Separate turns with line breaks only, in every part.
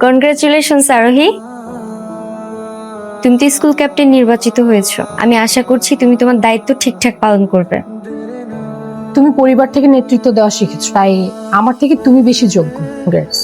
Congratulations আরোহী, তুমি তো স্কুল ক্যাপ্টেন নির্বাচিত হয়েছো। আমি আশা করছি তুমি তোমার দায়িত্ব ঠিকঠাক পালন করবে।
তুমি পরিবার থেকে নেতৃত্ব দেওয়া শিখেছো, তাই আমার থেকে তুমি বেশি যোগ্য। Congrats.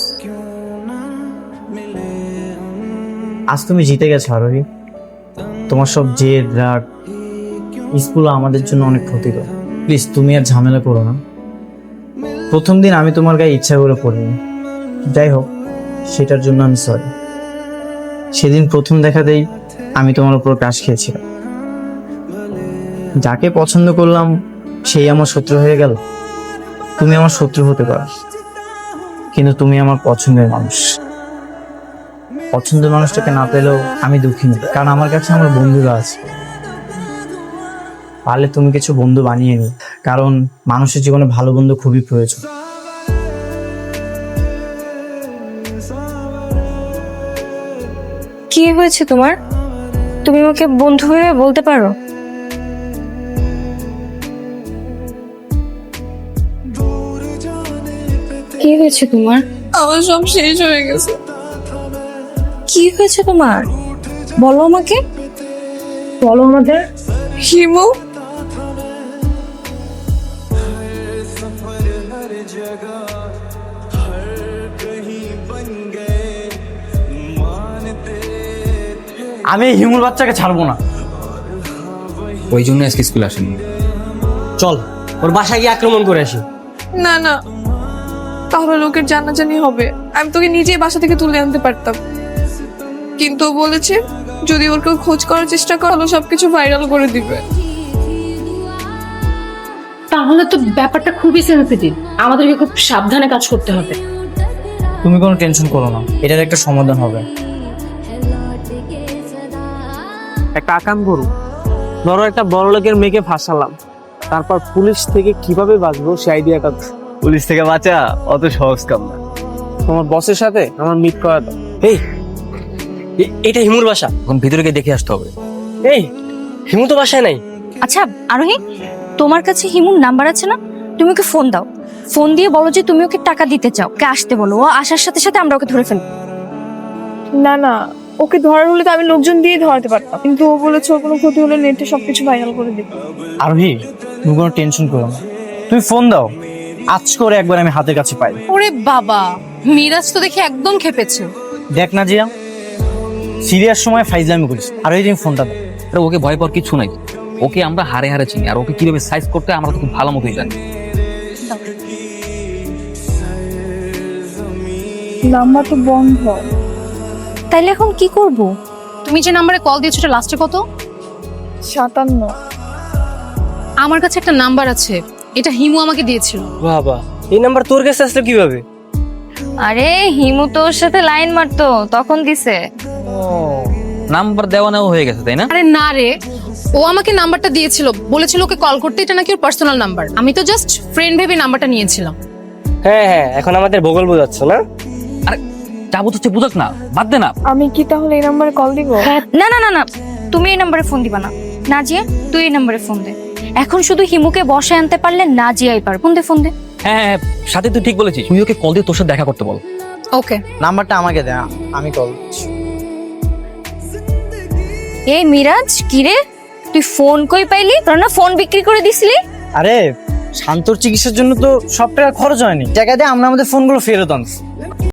আজ তুমি জিতে গেছো আরোহী। তোমার সব জেদ রাগ স্কুল আমাদের জন্য অনেক ক্ষতিকর। প্লিজ তুমি আর ঝামেলা করো না। প্রথম দিন আমি তোমার গায়ে ইচ্ছা করে পড়িনি, যাই হোক সেটার জন্য আমি সরি। সেদিন প্রথম দেখাতেই আমি তোমার উপর ক্রাশ খেয়েছিলাম। যাকে পছন্দ করলাম সেই আমার শত্রু হয়ে গেল। তুমি আমার শত্রু হতে পারো, কিন্তু তুমি আমার পছন্দের মানুষ। পছন্দের মানুষটাকে না পেলেও আমি দুঃখী নই, কারণ আমার কাছে আমার বন্ধুরা আছে। পারলে তুমি কিছু বন্ধু বানিয়ে নি, কারণ মানুষের জীবনে ভালো বন্ধু খুবই প্রয়োজন।
কি হয়েছে তোমার? তুমি আমাকে বন্ধু ভেবে বলতে পারো? কি হয়েছে তোমার?
আমার সব শেষ হয়ে গেছে।
কি হয়েছে তোমার? বলো আমাকে, বলো আমাদের।
হিমু
আমি এই হিমুর বাচ্চাকে ছাড়বো না।
ওই জন্য আজকে স্কুল আসেনি।
চল ওর বাসায় গিয়ে আক্রমণ করে আসি।
না না, তাহলে লোকের জানাজানি হবে। আমি তোকে নিজেই বাসা থেকে তুলে আনতে পারতাম, কিন্তু ও বলেছে যদি ওর কেউ খোঁজ করার চেষ্টা করলো সবকিছু ভাইরাল করে দিবে।
তাহলে তো ব্যাপারটা খুবই সেন্সিটিভ, আমাদেরকে খুব সাবধানে কাজ করতে হবে।
তুমি কোনো টেনশন করো না, এটার একটা সমাধান হবে।
একটা আকাম করু, ধরো একটা বড় লোকের মেয়েকে ফাঁসালাম, তারপর পুলিশ থেকে কিভাবে বাঁচবো সেই আইডিয়াটা।
পুলিশ থেকে বাঁচা অত সহজ কাম না।
তোমার বসের সাথে আমার মিট করা দাও। এই এটা হিমুর বাসা।
এখন ভিতরে গিয়ে দেখে আসতে হবে।
এই হিমু তো বাসায় নাই।
আচ্ছা আরোহী, তোমার কাছে হিমুর নাম্বার আছে না? তুমি ওকে ফোন দাও, ফোন দিয়ে বলো যে তুমি ওকে টাকা দিতে চাও, ওকে আসতে বলো। ও আসার সাথে সাথে আমরা ওকে ধরে ফেলবো।
না না, ওকে ধরার হলে তো আমি লোকজন দিয়ে ধরাতে পারতাম, কিন্তু ও বলেছে ওর কোনো ক্ষতি হলে নেটে সবকিছু ভাইরাল করে দিবে।
আরোহী তুমি কোনো টেনশন করো না, তুমি ফোন দাও, আজ করে একবার আমি হাতের কাছে পাই।
ওরে বাবা, মিরাজ তো দেখি একদম খেপেছে।
দেখ না জিয়া, সিরিয়াস সময় ফাইজলামি করিস। আরোহী তুমি ফোনটা দাও।
আরে ওকে ভয় পাওয়ার কিছু নাই। ওকে আমরা হারে হারে চিনি, আর ওকে কিভাবে সাইজ করতে হয় আমরা তো খুব ভালো মতোই জানি।
নাম্বার তো বন্ধ।
তাইলে এখন কি করব?
তুমি যে নাম্বারে কল দিয়েছো এটা লাস্টে কত?
57।
আমার কাছে একটা নাম্বার আছে, এটা হিমু আমাকে দিয়েছিল।
বাবা, এই নাম্বার তোর কাছে আসলো কিভাবে?
আরে হিমু তো ওর সাথে লাইন মারতো, তখন দিছে।
নাম্বার দেওয়া নেওয়া হয়ে গেছে তাই না?
আরে না রে, ও আমাকে নাম্বারটা দিয়েছিল, বলেছিল ওকে কল করতে, এটা নাকি ওর পার্সোনাল নাম্বার। আমি তো জাস্ট ফ্রেন্ড ভেবে নাম্বারটা নিয়েছিলাম।
হ্যাঁ হ্যাঁ, এখন আমাদের বগল বোঝাচ্ছ না?
আরে যাবো হচ্ছে বুঝাক না, বাদ দে না।
আমি কি তাহলে এই নাম্বারে কল দিব?
না না না না, তুমি এই নাম্বারে ফোন দিবা না। নাজিয়া, তুই এই নাম্বারে ফোন দে। এখন শুধু হিমুকে বসায় আনতে পারলে নাজিয়াই পার। ফোন দে, ফোন দে।
হ্যাঁ হ্যাঁ, সাথে তুই ঠিক বলেছিস। তুই ওকে কল দিয়ে তোর সাথে দেখা করতে বল।
ওকে।
নাম্বারটা আমাকে দে, আমি কল করছি।
এই মিরাজ, কি রে তুই ফোন কই পাইলি? তোর না ফোন বিক্রি করে দিছিলি?
আরে শান্তর চিকিৎসার জন্য তো সব টাকা খরচ হয়নি, টাকা দিয়ে আমরা আমাদের ফোনগুলো ফেরত আনছি।